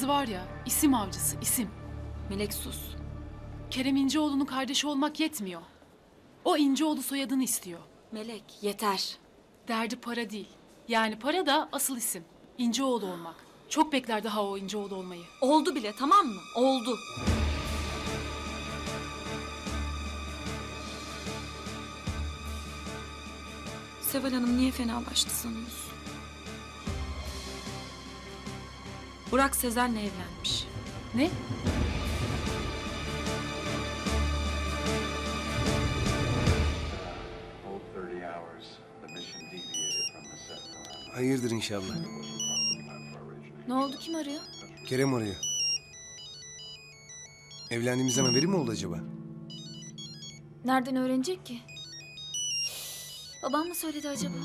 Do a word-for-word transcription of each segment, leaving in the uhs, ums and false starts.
kendisi var ya, isim avcısı, isim. Melek sus. Kerem İnceoğlu'nun kardeşi olmak yetmiyor. O İnceoğlu soyadını istiyor. Melek yeter. Derdi para değil. Yani para da asıl isim. İnceoğlu olmak. Çok bekler daha o İnceoğlu olmayı. Oldu bile, tamam mı? Oldu. Seval Hanım niye fenalaştı sanıyorsun? Burak Sezen'le evlenmiş. Ne? Hold thirty hours. The mission deviated from the set plan. Hayırdır inşallah. Ne oldu, kim arıyor? Kerem arıyor. Evlendiğimizden haberi mi oldu acaba? Nereden öğrenecek ki? Babam mı söyledi acaba?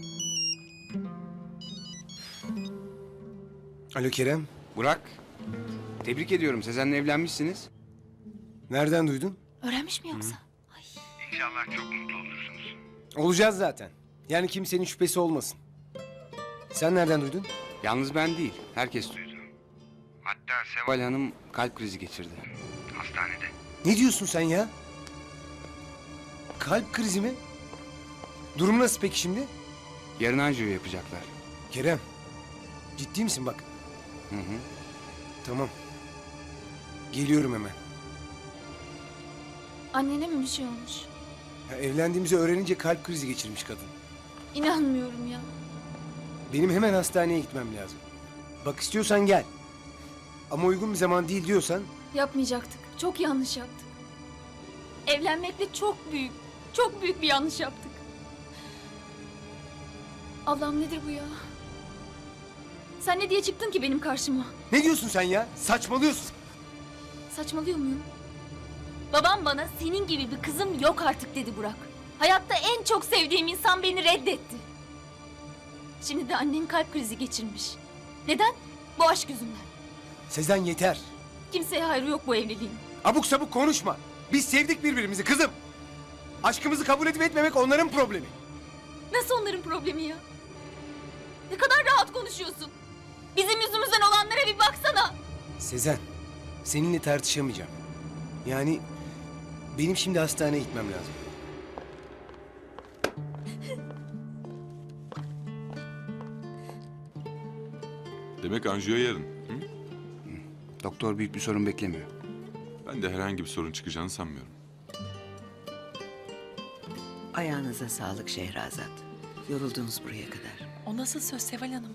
Alo Kerem. Burak, tebrik ediyorum. Sezen'le evlenmişsiniz. Nereden duydun? Öğrenmiş mi yoksa? Olacağız zaten. Yani kimsenin şüphesi olmasın. Sen nereden duydun? Yalnız ben değil, herkes duydu. Hatta Seval Hanım kalp krizi geçirdi. Hastanede. Ne diyorsun sen ya? Kalp krizi mi? Durum nasıl peki şimdi? Yarın anjiyo yapacaklar. Kerem. Ciddi misin bak? Hı hı. Tamam. Geliyorum hemen. Annene mi bir şey olmuş? Ya evlendiğimizi öğrenince kalp krizi geçirmiş kadın. İnanmıyorum ya. Benim hemen hastaneye gitmem lazım. Bak istiyorsan gel. Ama uygun bir zaman değil diyorsan Yapmayacaktık. Çok yanlış yaptık. Evlenmekle çok büyük, çok büyük bir yanlış yaptık. Allah'ım nedir bu ya? Sen ne diye çıktın ki benim karşıma? ne diyorsun sen ya? Saçmalıyorsun. Saçmalıyor muyum? Babam bana senin gibi bir kızım yok artık dedi Burak. Hayatta en çok sevdiğim insan beni reddetti. Şimdi de annen kalp krizi geçirmiş. Neden? Bu aşk yüzünden. Sezen yeter. Kimseye hayrı yok bu evliliğin. Abuk sabuk konuşma. Biz sevdik birbirimizi kızım. Aşkımızı kabul edip etmemek onların problemi. Nasıl onların problemi ya? Ne kadar rahat konuşuyorsun. Bizim yüzümüzden olanlara bir baksana. Sezen, seninle tartışamayacağım. Yani benim şimdi hastaneye gitmem lazım. Demek anjiyo yarın. Hı? Doktor büyük bir sorun beklemiyor. Ben de herhangi bir sorun çıkacağını sanmıyorum. Ayağınıza sağlık Şehrazat. Yoruldunuz buraya kadar. O nasıl söz Seval Hanım?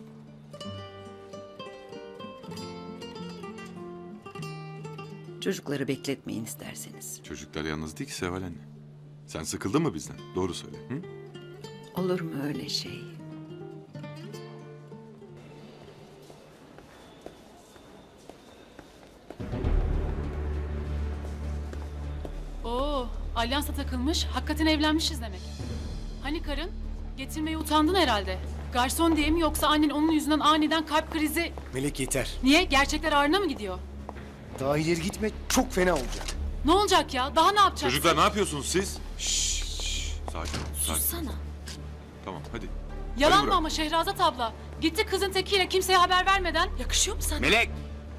Çocukları bekletmeyin isterseniz. Çocuklar yalnız değil ki Seval anne. Sen sıkıldın mı bizden? Doğru söyle. Hı? Olur mu öyle şey? Oo, alyansa takılmış, hakikaten evlenmişiz demek. Hani karın? Getirmeye utandın herhalde. Garson diye mi yoksa annen onun yüzünden aniden kalp krizi... Melek yeter. Niye? Gerçekler ağrına mı gidiyor? Daha ileri gitme, çok fena olacak. Ne olacak ya? Daha ne yapacaksın? Çocuklar ne yapıyorsunuz siz? Şşş. şşş. Sakin ol. Sakin. Sussana. Tamam hadi. Yalan Hadi mı Burak. ama Şehrazat abla? Gitti kızın tekiyle kimseye haber vermeden. Yakışıyor mu sana? Melek!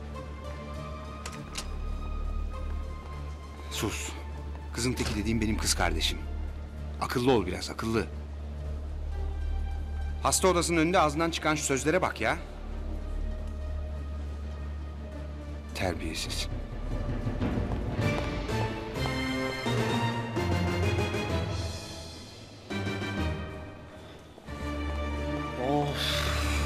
Sus. Kızın teki dediğim benim kız kardeşim. Akıllı ol biraz, akıllı. Hasta odasının önünde ağzından çıkan şu sözlere bak ya. Terbiyesiz. Of.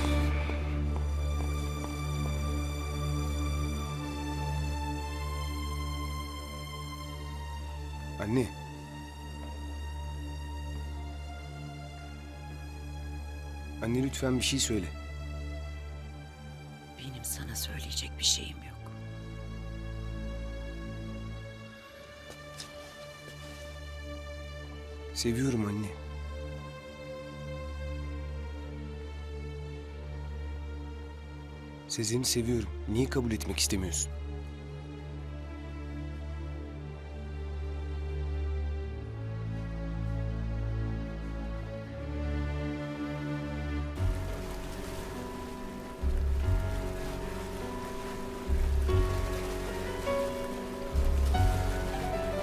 Anne. Anne lütfen bir şey söyle. Benim sana söyleyecek bir şeyim yok. Seviyorum anne. Sezen'i seviyorum. Niye kabul etmek istemiyorsun?